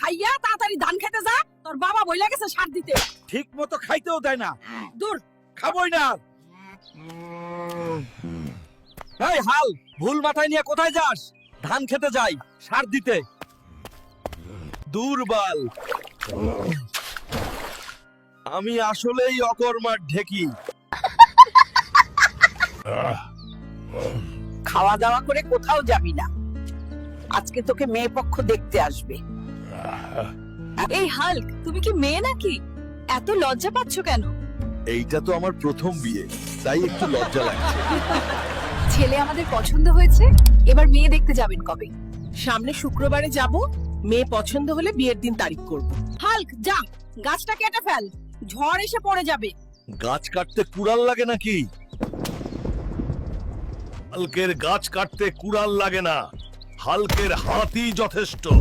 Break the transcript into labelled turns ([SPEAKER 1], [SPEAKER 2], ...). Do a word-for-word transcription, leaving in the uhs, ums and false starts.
[SPEAKER 1] খাইয়া তাড়াতাড়ি ধান খেতে যা, তোর বাবা বইলা গেছে সার দিতে।
[SPEAKER 2] ঠিক মতো খাইতেও দেয় না।
[SPEAKER 1] দূর।
[SPEAKER 2] খাবই না। এই হাল, ভুল মাথায় নিয়ে কোথায় যাস? ধান খেতে যাই, সার দিতে। দুর্বল। আমি আসলেই অকর্মার ঢেকি।
[SPEAKER 1] খাওয়া দাওয়া করে কোথাও যাবি না, আজকে তোকে মেয়ে পক্ষ দেখতে আসবে।
[SPEAKER 3] এই হাল্ক, তুমি কি মেয়ে নাকি? এত লজ্জা পাচ্ছ কেন?
[SPEAKER 2] এইটা তো আমার প্রথম বিয়ে, তাই একটু লজ্জা লাগছে।
[SPEAKER 3] ছেলে আমাদের পছন্দ হয়েছে, এবার মেয়ে দেখতে যাবেন কবে?
[SPEAKER 1] সামনে শুক্রবারে যাব, মেয়ে পছন্দ হলে বিয়ের দিন তারিখ করব। হাল্ক যা, গাছটা কেটে ফেল, ঝড় এসে পড়ে যাবে।
[SPEAKER 2] গাছ কাটতে কুড়াল লাগে নাকি? হালকের গাছ কাটতে কুড়াল লাগে না, হালকের হাতই যথেষ্ট।